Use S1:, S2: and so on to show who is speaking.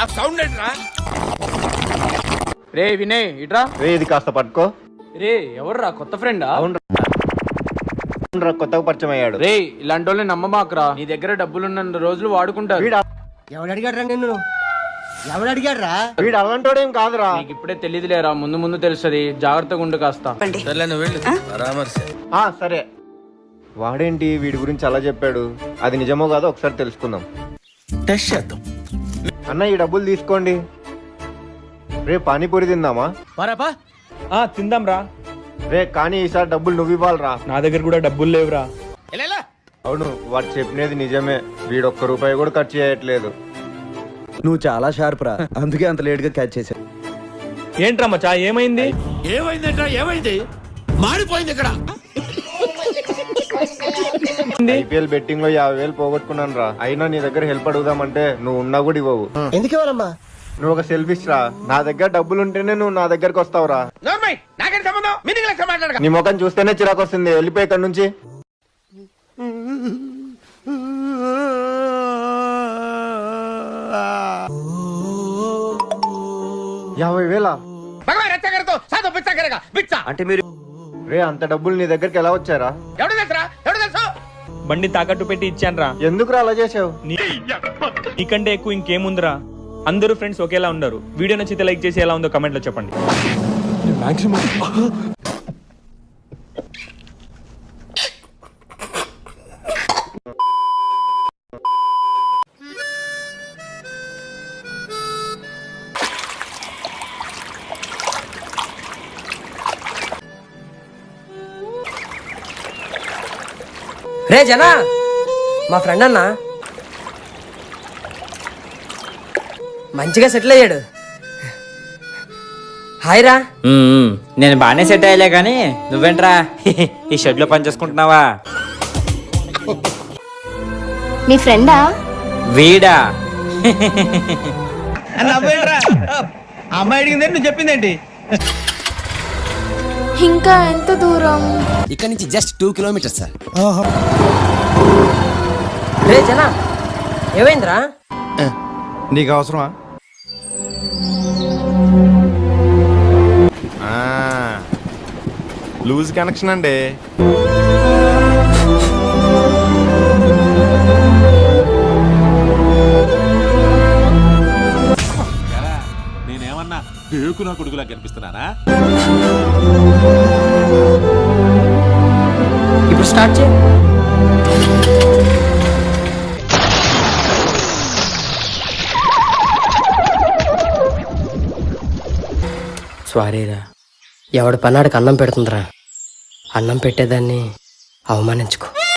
S1: Sound ఏంట్రా?
S2: రే వినయ్ ఇట్రా.
S3: రే ఇది కాస్త పట్టుకో.
S2: రే ఎవర్రా కొత్త ఫ్రెండా?
S3: అవునరా, కొత్తగా పరిచయం అయ్యాడు.
S2: రే ఇలాంటి వాళ్ళని నమ్మమాకరా. నీ దగ్గర డబ్బులున్న రోజులు వాడుకుంటారు.
S4: ఎవడు అడిగాడ్రా నిన్ను? ఎవడు అడిగాడ్రా?
S3: వీడు అలాంటోడేం కాదురా.
S2: నీకు ఇప్పుడే తెలియదులేరా, ముందు ముందు తెలుస్తుంది. జాగ్రత్తగా ఉండు కాస్త.
S3: సరే. వాడేంటి వీడి గురించి అలా చెప్పాడు? అది నిజమో కాదో ఒకసారి తెలుసుకుందాం.
S1: టెస్ట్ చేద్దాం.
S3: అన్న ఈ డబ్బులు తీసుకోండి. రే పానీపూరి తిందామా?
S5: తిందాం రా.
S3: రే కానీ ఈసారి డబ్బులు నువ్వు ఇవ్వాలరా.
S5: నా దగ్గర కూడా డబ్బులు లేవురా.
S3: అవును, వాడు చెప్పినది నిజమే. వీడు ఒక్క రూపాయి కూడా ఖర్చు చేయట్లేదు.
S6: నువ్వు చాలా షార్ప్ రా, అందుకే అంత లేట్ గా క్యాచ్ చేశా.
S5: ఏంట్రా మచ్చా, ఏమైంది?
S1: ఏమైంది? మాడిపోయింది ఇక్కడ.
S3: ఐపీఎల్ బెట్టింగ్ లో 50,000 పోగొట్టుకున్నాను రా. అయినా నీ దగ్గర హెల్ప్ అడుగుదామంటే నువ్వు ఉన్నా కూడా ఇవ్వవు.
S4: ఎందుకు ఇవ్వాలమ్మా?
S3: నువ్వు ఒక సెల్ఫిష్ రా. నా దగ్గర డబ్బులు ఉంటేనే నువ్వు నా దగ్గరకు వస్తావురా. నీ ముఖం చూస్తేనే చిరాకు వస్తుంది. వెళ్ళిపోయి ఇక్కడ నుంచి. 50,000
S6: అంటే మీరు
S3: రే అంత డబ్బులు నీ దగ్గరికి ఎలా వచ్చారా?
S5: బండి తాకట్టు పెట్టి ఇచ్చాను రా.
S3: ఎందుకురా అలా చేసావు?
S5: నీకంటే ఎక్కువ ఇంకేముందిరా. అందరూ ఫ్రెండ్స్ ఒకేలా ఉండరు. వీడియో నచ్చితే లైక్ చేసి ఎలా ఉందో కమెంట్ లో చెప్పండి.
S4: రే జనా, మా ఫ్రెండ్ అన్న మంచిగా సెటిల్ అయ్యాడు. హాయ్ రా.
S7: నేను బాగానే సెట్ అయ్యలే కానీ నువ్వేంట్రా ఈ షెడ్ లో పని చేసుకుంటున్నావా?
S8: మీ ఫ్రెండా?
S7: వీడా?
S5: అమ్మాయి అడిగింది నువ్వు చెప్పిందేంటి?
S8: ఇంకా ఎంత దూరం?
S4: ఇక్కడ నుంచి జస్ట్ 2 కిలోమీటర్స్ సార్. రే జనా, ఏమైందిరా?
S6: నీకు అవసరమా?
S3: లూజ్ కనెక్షన్ అండి.
S1: నేనేమన్నా బేకు నా కొడుకులా కనిపిస్తున్నానా?
S4: ఇప్పుడు స్టార్ట్ చేయి. సారీరా. ఎవడి పన్నాడికి అన్నం పెడుతుందిరా. అన్నం పెట్టేదాన్ని అవమానించుకో.